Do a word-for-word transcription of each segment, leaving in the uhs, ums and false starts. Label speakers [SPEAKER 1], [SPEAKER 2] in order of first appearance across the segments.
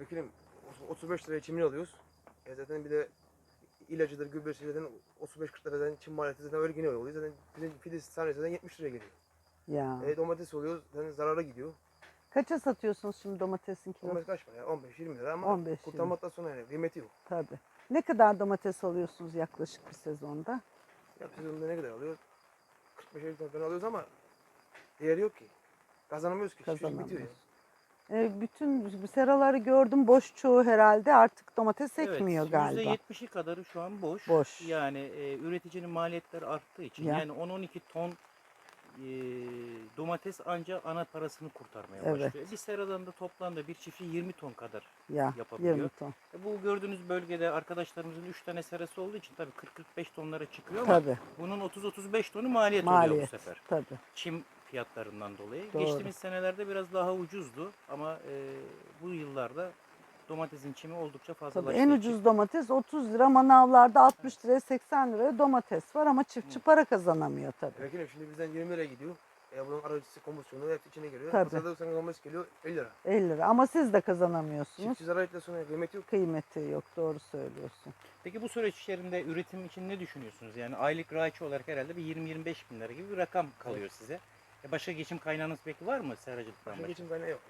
[SPEAKER 1] Vekilim otuz beş liraya çimin alıyoruz. E zaten bir de ilacıdır, gübresi zaten otuz beş kırk liradan çim maliyeti zaten öyle geliyor oluyor. Zaten bizim fidesi tanesi zaten yetmiş liraya geliyor.
[SPEAKER 2] Ya.
[SPEAKER 1] E domates oluyor zaten zarara gidiyor.
[SPEAKER 2] Kaça satıyorsunuz şimdi domatesin kilosu?
[SPEAKER 1] domates kaç para ya? on beş yirmi lira ama
[SPEAKER 2] on beş yirmi.
[SPEAKER 1] kurtarmaktan sonra yani kıymeti yok.
[SPEAKER 2] Tabii. Ne kadar domates alıyorsunuz yaklaşık bir sezonda?
[SPEAKER 1] Ya sezonda ne kadar alıyor? kırk beş elli ton falan alıyoruz ama değeri yok ki. Kazanamıyoruz ki. Çiftçilik bitiyor ya.
[SPEAKER 2] Kazanamıyoruz. E, bütün seraları gördüm, boş çoğu herhalde, artık domates ekmiyor
[SPEAKER 3] Evet,
[SPEAKER 2] galiba.
[SPEAKER 3] yüzde yetmişi kadarı şu an boş.
[SPEAKER 2] Boş.
[SPEAKER 3] Yani e, üreticinin maliyetleri arttığı için
[SPEAKER 2] Ya.
[SPEAKER 3] yani on on iki ton e, domates ancak ana parasını kurtarmaya
[SPEAKER 2] Evet.
[SPEAKER 3] başlıyor. Bir seradan da toplamda bir çiftçi yirmi ton kadar
[SPEAKER 2] Ya
[SPEAKER 3] yapabiliyor.
[SPEAKER 2] yirmi ton.
[SPEAKER 3] E, bu gördüğünüz bölgede arkadaşlarımızın üç tane serası olduğu için tabii kırk kırk beş tonlara çıkıyor ama
[SPEAKER 2] Tabii.
[SPEAKER 3] bunun otuz otuz beş tonu maliyet, oluyor
[SPEAKER 2] Maliyet.
[SPEAKER 3] bu sefer.
[SPEAKER 2] Tabii.
[SPEAKER 3] Çim fiyatlarından dolayı.
[SPEAKER 2] Doğru.
[SPEAKER 3] Geçtiğimiz senelerde biraz daha ucuzdu ama e, bu yıllarda domatesin çimi oldukça
[SPEAKER 2] Tabii
[SPEAKER 3] fazlalaştı.
[SPEAKER 2] en ucuz domates otuz lira, manavlarda altmış liraya seksen liraya domates var ama çiftçi para kazanamıyor tabii.
[SPEAKER 1] Vekilim şimdi bizden yirmi liraya gidiyor. E bunun aracısı, komisyonu hepsi içine geliyor.
[SPEAKER 2] Tabii.
[SPEAKER 1] Pazarda sana domates geliyor elli lira.
[SPEAKER 2] elli lira ama siz de kazanamıyorsunuz.
[SPEAKER 1] Çiftçi zarar ettikten sonra kıymeti yok.
[SPEAKER 2] Kıymeti yok, doğru söylüyorsun.
[SPEAKER 3] Peki bu süreç içerisinde üretim için ne düşünüyorsunuz? Yani aylık raiçi olarak herhalde bir yirmi yirmi beş bin lira gibi bir rakam kalıyor size. E başka geçim kaynağınız peki var mı seracılıktan
[SPEAKER 1] Başka
[SPEAKER 3] başka?
[SPEAKER 1] geçim kaynağı yok.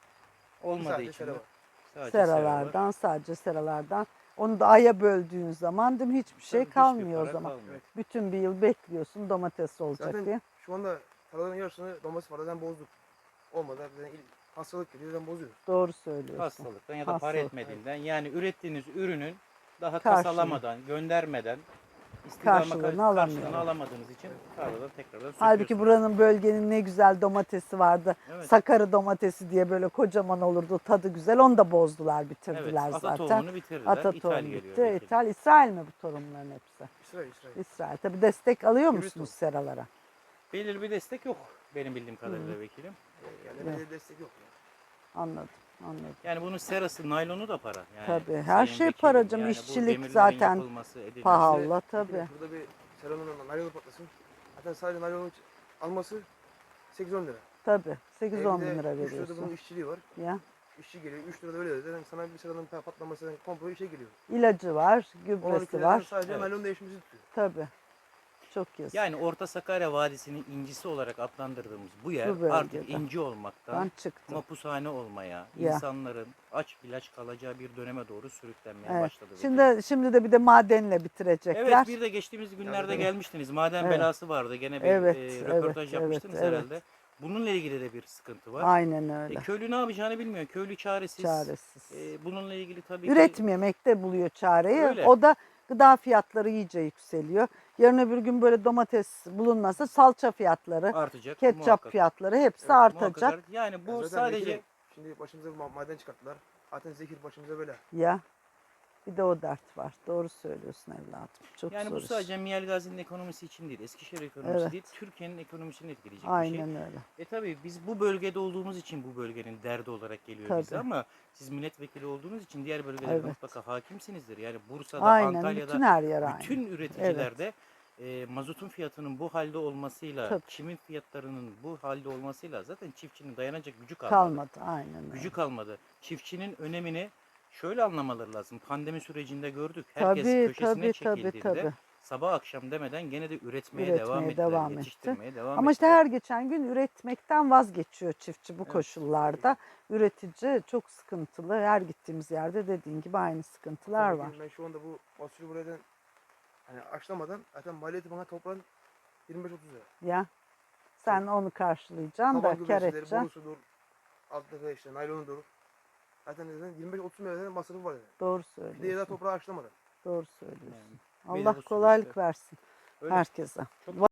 [SPEAKER 1] Ya.
[SPEAKER 3] Olmadığı
[SPEAKER 1] Sadece
[SPEAKER 3] için
[SPEAKER 1] sera
[SPEAKER 3] de
[SPEAKER 1] var.
[SPEAKER 3] sadece sera var.
[SPEAKER 2] Seralardan, sadece seralardan. Onu da aya böldüğün zaman değil mi, hiçbir şey
[SPEAKER 3] Tabii hiçbir
[SPEAKER 2] kalmıyor o
[SPEAKER 3] para
[SPEAKER 2] zaman.
[SPEAKER 3] kalmıyor.
[SPEAKER 1] Evet.
[SPEAKER 2] Bütün bir yıl bekliyorsun domates olacak
[SPEAKER 1] Zaten
[SPEAKER 2] diye.
[SPEAKER 1] şu anda tarlaların yarısını domates var. Zaten bozduk. Olmadı. Zaten il- hastalık geliyor. Zaten bozuyoruz.
[SPEAKER 2] Doğru söylüyorsun.
[SPEAKER 3] Hastalıktan ya da para
[SPEAKER 2] Hastalık.
[SPEAKER 3] etmediğinden yani ürettiğiniz ürünün daha
[SPEAKER 2] Karşılığı.
[SPEAKER 3] kasalamadan, göndermeden istihdama
[SPEAKER 2] Karşılığını
[SPEAKER 3] karşılığını,
[SPEAKER 2] alamıyorlar.
[SPEAKER 3] alamadığınız için tarladan tekrardan
[SPEAKER 2] Halbuki
[SPEAKER 3] söküyorsunuz.
[SPEAKER 2] buranın, bölgenin ne güzel domatesi vardı.
[SPEAKER 3] Evet.
[SPEAKER 2] Sakarı domatesi diye böyle kocaman olurdu, tadı güzel. Onu da bozdular,
[SPEAKER 3] Evet,
[SPEAKER 2] bitirdiler
[SPEAKER 3] ata
[SPEAKER 2] zaten.
[SPEAKER 3] tohumunu bitirdiler.
[SPEAKER 2] Ata
[SPEAKER 3] İthal
[SPEAKER 2] tohum
[SPEAKER 3] geliyor.
[SPEAKER 2] bitti.
[SPEAKER 3] belki de.
[SPEAKER 2] İthal, İsrail mi bu tohumların hepsi?
[SPEAKER 1] İsrail, İsrail.
[SPEAKER 2] İsrail. Tabii destek alıyor
[SPEAKER 1] Hibrit
[SPEAKER 2] musunuz
[SPEAKER 1] tohum.
[SPEAKER 2] seralara?
[SPEAKER 3] Belirli bir destek yok benim bildiğim kadarıyla vekilim.
[SPEAKER 1] Yani
[SPEAKER 2] Evet.
[SPEAKER 1] belediye destek yok. Ya.
[SPEAKER 2] Anladım, anladım.
[SPEAKER 3] Yani bunun serası, naylonu da para. Yani
[SPEAKER 2] Tabii, her
[SPEAKER 3] sayın
[SPEAKER 2] şey
[SPEAKER 3] vekilim,
[SPEAKER 2] para canım.
[SPEAKER 3] bu
[SPEAKER 2] İşçilik
[SPEAKER 3] demirlerin
[SPEAKER 2] zaten
[SPEAKER 3] yapılması, edilmesi-
[SPEAKER 2] pahalı.
[SPEAKER 1] İşte,
[SPEAKER 2] Allah tabii.
[SPEAKER 1] bir de Burada bir seranın naylonu patlasın. Zaten sadece naylonu alması sekiz on lira.
[SPEAKER 2] Tabii. sekiz
[SPEAKER 1] E
[SPEAKER 2] on
[SPEAKER 1] bir
[SPEAKER 2] bin
[SPEAKER 1] de
[SPEAKER 2] lira
[SPEAKER 1] üç lirada
[SPEAKER 2] veriyorsun.
[SPEAKER 1] bunun işçiliği var.
[SPEAKER 2] Ya.
[SPEAKER 1] İşçi geliyor. üç lirada öyle. Zaten sana bir seranın patlaması komple işe geliyor.
[SPEAKER 2] İlacı var,
[SPEAKER 1] on
[SPEAKER 2] gübresi
[SPEAKER 1] iki liradan
[SPEAKER 2] var.
[SPEAKER 1] sadece
[SPEAKER 3] Evet.
[SPEAKER 1] naylon değişmesi tutuyor.
[SPEAKER 2] Tabii. Çok yazık.
[SPEAKER 3] Yani Orta Sakarya Vadisi'nin incisi olarak adlandırdığımız bu yer
[SPEAKER 2] Bu bölgede.
[SPEAKER 3] artık inci olmaktan
[SPEAKER 2] Ben çıktım.
[SPEAKER 3] mapushane olmaya,
[SPEAKER 2] Ya.
[SPEAKER 3] insanların aç ilaç kalacağı bir döneme doğru sürüklenmeye
[SPEAKER 2] Evet.
[SPEAKER 3] başladı. vekilim.
[SPEAKER 2] Şimdi şimdi de bir de madenle bitirecekler.
[SPEAKER 3] Evet, bir de geçtiğimiz günlerde
[SPEAKER 1] tabii.
[SPEAKER 3] gelmiştiniz. Maden
[SPEAKER 2] Evet.
[SPEAKER 3] belası vardı. Gene bir
[SPEAKER 2] Evet,
[SPEAKER 3] e,
[SPEAKER 2] evet,
[SPEAKER 3] röportaj
[SPEAKER 2] evet,
[SPEAKER 3] yapmıştınız
[SPEAKER 2] evet.
[SPEAKER 3] herhalde. Bununla ilgili de bir sıkıntı var.
[SPEAKER 2] Aynen
[SPEAKER 3] E,
[SPEAKER 2] öyle.
[SPEAKER 3] köylü ne yapacağını bilmiyor. Köylü çaresiz.
[SPEAKER 2] Çaresiz.
[SPEAKER 3] E, bununla ilgili tabii ki
[SPEAKER 2] Üretmemekte buluyor çareyi.
[SPEAKER 3] Öyle.
[SPEAKER 2] O da gıda fiyatları iyice yükseliyor. Yarın öbür gün böyle domates bulunmasa salça fiyatları,
[SPEAKER 3] artacak.
[SPEAKER 2] ketçap
[SPEAKER 3] muhakkak.
[SPEAKER 2] fiyatları hepsi
[SPEAKER 3] Evet, muhakkak
[SPEAKER 2] artacak.
[SPEAKER 3] art- Yani bu
[SPEAKER 1] Ya zaten
[SPEAKER 3] sadece
[SPEAKER 1] vekilim, şimdi başımıza bir ma- maden çıkarttılar. Zaten zehir başımıza böyle.
[SPEAKER 2] Ya bir de o dert var. Doğru söylüyorsun evladım. Çok
[SPEAKER 3] yani
[SPEAKER 2] zor
[SPEAKER 3] bu
[SPEAKER 2] iş.
[SPEAKER 3] sadece Miyal Gazi'nin ekonomisi için değil, Eskişehir ekonomisi
[SPEAKER 2] Evet.
[SPEAKER 3] değil, Türkiye'nin ekonomisini etkileyecek bir şey.
[SPEAKER 2] Aynen öyle.
[SPEAKER 3] E tabii biz bu bölgede olduğumuz için bu bölgenin derdi olarak geliyor
[SPEAKER 2] Tabii.
[SPEAKER 3] bize ama siz milletvekili olduğunuz için diğer bölgelere
[SPEAKER 2] Evet.
[SPEAKER 3] mutlaka hakimsinizdir. Yani Bursa'da,
[SPEAKER 2] Aynen,
[SPEAKER 3] Antalya'da
[SPEAKER 2] bütün her yer aynı.
[SPEAKER 3] bütün üreticilerde e, mazotun fiyatının bu halde olmasıyla,
[SPEAKER 2] Tabii.
[SPEAKER 3] çimin fiyatlarının bu halde olmasıyla zaten çiftçinin dayanacak gücü kalmadı.
[SPEAKER 2] Kalmadı. Aynen öyle.
[SPEAKER 3] Gücü kalmadı. Çiftçinin önemini şöyle anlamaları lazım. Pandemi sürecinde gördük. Herkes
[SPEAKER 2] Tabii,
[SPEAKER 3] köşesine
[SPEAKER 2] tabii, tabii,
[SPEAKER 3] çekildiğinde
[SPEAKER 2] tabii.
[SPEAKER 3] sabah akşam demeden gene de üretmeye,
[SPEAKER 2] Üretmeye
[SPEAKER 3] devam ettiler.
[SPEAKER 2] devam etti.
[SPEAKER 3] Yetiştirmeye devam
[SPEAKER 2] Ama işte
[SPEAKER 3] ettiler.
[SPEAKER 2] her geçen gün üretmekten vazgeçiyor çiftçi bu
[SPEAKER 3] Evet.
[SPEAKER 2] koşullarda. Üretici çok sıkıntılı. Her gittiğimiz yerde dediğin gibi aynı sıkıntılar
[SPEAKER 1] Zaten
[SPEAKER 2] var.
[SPEAKER 1] vekilim, Ben şu anda bu fasulye buradan hani açlamadan zaten maliyeti bana toprağın yirmi beş otuz lira.
[SPEAKER 2] Ya sen onu karşılayacaksın
[SPEAKER 1] Taban
[SPEAKER 2] da kar
[SPEAKER 1] gübresidir,
[SPEAKER 2] edeceksin.
[SPEAKER 1] borusudur, alttaki işte naylonudur. Zaten zaten yirmi beş otuz lira zaten masrafı var yani.
[SPEAKER 2] Doğru
[SPEAKER 1] Bir de ya da
[SPEAKER 2] söylüyorsun.
[SPEAKER 1] toprağı açlamadan.
[SPEAKER 2] Doğru söylüyorsun.
[SPEAKER 3] Yani bir de
[SPEAKER 2] Allah
[SPEAKER 3] bu
[SPEAKER 2] kolaylık
[SPEAKER 3] süreçte-
[SPEAKER 2] versin
[SPEAKER 3] Öyle.
[SPEAKER 2] herkese.
[SPEAKER 3] Çok